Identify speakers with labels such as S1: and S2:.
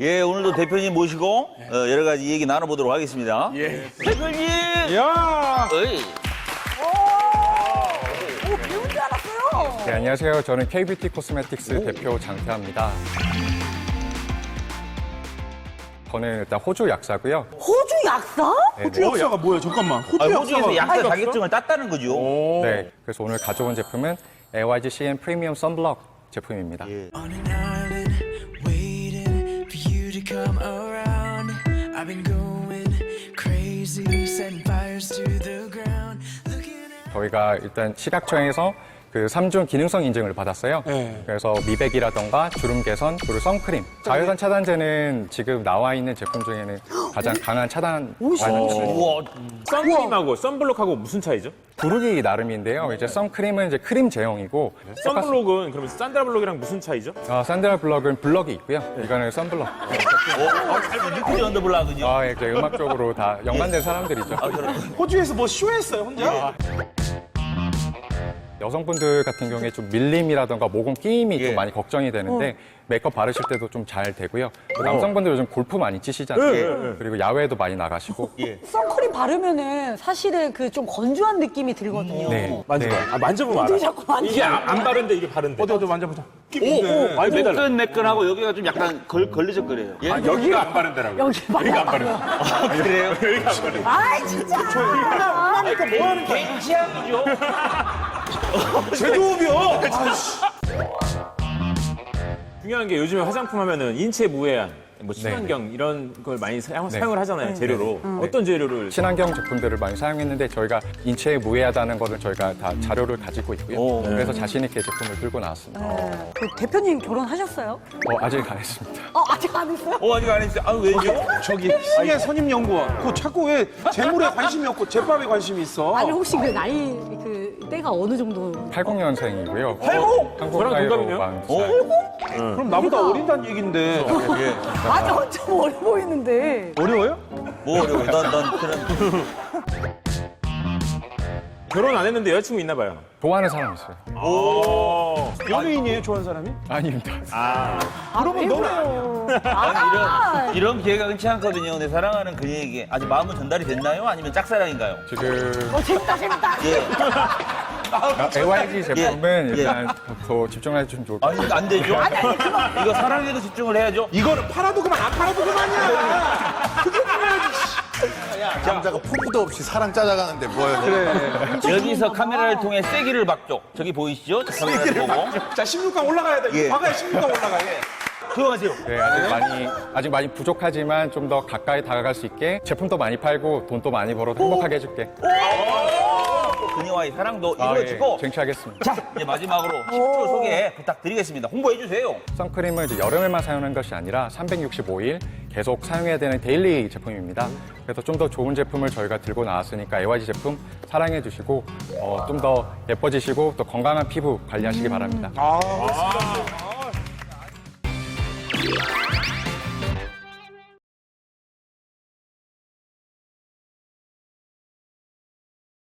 S1: 예, 오늘도 대표님 모시고 여러 가지 얘기 나눠보도록 하겠습니다.
S2: 예.
S1: 대표님!
S2: 야!
S1: 어이.
S3: 오, 배운 줄 알았어요.
S4: 네, 안녕하세요. 저는 KBT 코스메틱스 대표 장태환입니다. 저는 일단 호주 약사고요.
S3: 호주 약사?
S2: 호주 약사가 뭐예요? 잠깐만.
S1: 호주에서 약사
S2: 약사?
S1: 자격증을 땄다는 거죠.
S4: 네, 그래서 오늘 가져온 제품은 AYG CN 프리미엄 선블럭 제품입니다.
S1: 예.
S5: On an island, waiting for you to come around. I've been going crazy, setting fires to the ground. Looking at
S4: 저희가 일단 식약청에서 그 3중 기능성 인증을 받았어요.
S2: 네.
S4: 그래서 미백이라던가 주름 개선, 그리고 선크림. 자외선 차단제는 지금 나와 있는 제품 중에는 가장 강한 차단 완성을
S1: 우와.
S6: 선크림하고 선블록하고 무슨 차이죠?
S4: 부르기 나름인데요. 이제 선크림은 이제 크림 제형이고
S6: 선블록은 그러면 산드라블록이랑 무슨 차이죠?
S4: 산드라 블럭은 블럭이 있고요. 이거는 선블럭.
S1: 잘 리퀴드 언더블락은요?
S4: 이제 음악적으로 다 연관된 사람들이죠.
S2: 호주에서 뭐 쇼했어요, 혼자?
S4: 여성분들 같은 경우에 좀 밀림이라던가 모공 끼임이
S1: 예.
S4: 좀 많이 걱정이 되는데 메이크업 바르실 때도 좀 잘 되고요. 남성분들 요즘 골프 많이 치시잖아요. 그리고 야외에도 많이 나가시고.
S3: 선크림 바르면은 사실은 그 좀 건조한 느낌이 들거든요.
S4: 네.
S6: 만져봐.
S4: 네.
S6: 아, 만져보면 알아.
S3: 어떻게 자꾸 만져?
S6: 이게 안 바른데 이게 바른데.
S2: 어디 만져보자.
S6: 아니 매달.
S1: 매끈매끈하고 여기가 좀 약간 걸리적거려요. 예?
S6: 여기가 안 바른다라고.
S3: 여기
S6: 여기가 안 바른다.
S1: 그래요?
S6: 여기가 안 바른다.
S3: 아이, 진짜.
S1: 그러니까 뭐 하는 개인 취향이죠?
S2: 제조업이요.
S6: 중요한 게 요즘에 화장품 하면은 인체 무해한, 뭐 친환경 이런 걸 많이 사용을 하잖아요, 재료로. 어떤 재료를?
S4: 친환경 제품들을 많이 사용했는데 저희가 인체에 무해하다는 거를 저희가 다 자료를 가지고 있고요. 그래서 자신 있게 제품을 들고 나왔습니다.
S3: 그 대표님 결혼하셨어요?
S4: 아직 안 했습니다.
S3: 아직 안 했어요?
S1: 아직 안 했어요. 아, 왜죠?
S2: 저기 시계 선임연구원. 그거 자꾸 왜 재물에 관심이 없고 제밥에 관심이 있어?
S3: 아니, 혹시 그 나이, 그 때가 어느 정도?
S4: 80년생이고요.
S1: 80?
S4: 한국
S6: 저랑
S4: 나이로
S6: 동갑이네요?
S4: 40살.
S2: 그럼 나보다 어린다는 얘긴데.
S3: 맞아, 좀 어려 보이는데.
S2: 어려워요?
S1: 뭐 어려워. 난 그런.
S6: 결혼 안 했는데 여자친구 있나 봐요.
S4: 좋아하는 사람 있어요.
S2: 연예인이에요, 좋아하는 사람이?
S4: 아닙니다.
S2: 그러면 너는
S1: 아니, 이런 기회가 흔치 않거든요. 내 사랑하는 그녀에게 아직 마음은 전달이 됐나요? 아니면 짝사랑인가요?
S4: 지금
S3: 재밌다, 재밌다.
S1: 예.
S4: AYG 제품은
S1: 예.
S4: 일단 더 집중해 주면 좋을 것 같아요.
S1: 아니, 안 되죠? 이거 사랑에도 집중을 해야죠.
S2: 이거는 팔아도 그만 안 팔아도 그만이야. 그게 뭐야지.
S7: 남자가 포부도 없이 사랑 짜자가는데 뭐예요?
S2: 그래.
S1: 여기서 카메라를 통해 세기를 박죠. 저기 보이시죠? 저 카메라를 보고.
S2: 자, 16강 올라가야 돼.
S1: 예.
S2: 박아야 16강 올라가야 돼.
S1: 조용하세요.
S4: 네, 아직 많이 부족하지만 좀 더 가까이 다가갈 수 있게 제품도 많이 팔고 돈도 많이 벌어도 행복하게 해줄게.
S1: 그녀와의 사랑도
S4: 예,
S1: 이루어지고.
S4: 쟁취하겠습니다.
S1: 자, 이제 마지막으로 10초 소개 부탁드리겠습니다. 홍보해 주세요.
S4: 선크림은 이제 여름에만 사용하는 것이 아니라 365일 계속 사용해야 되는 데일리 제품입니다. 그래서 좀 더 좋은 제품을 저희가 들고 나왔으니까 AYG 제품 사랑해 주시고 좀 더 예뻐지시고 또 건강한 피부 관리하시기 바랍니다.
S2: 아,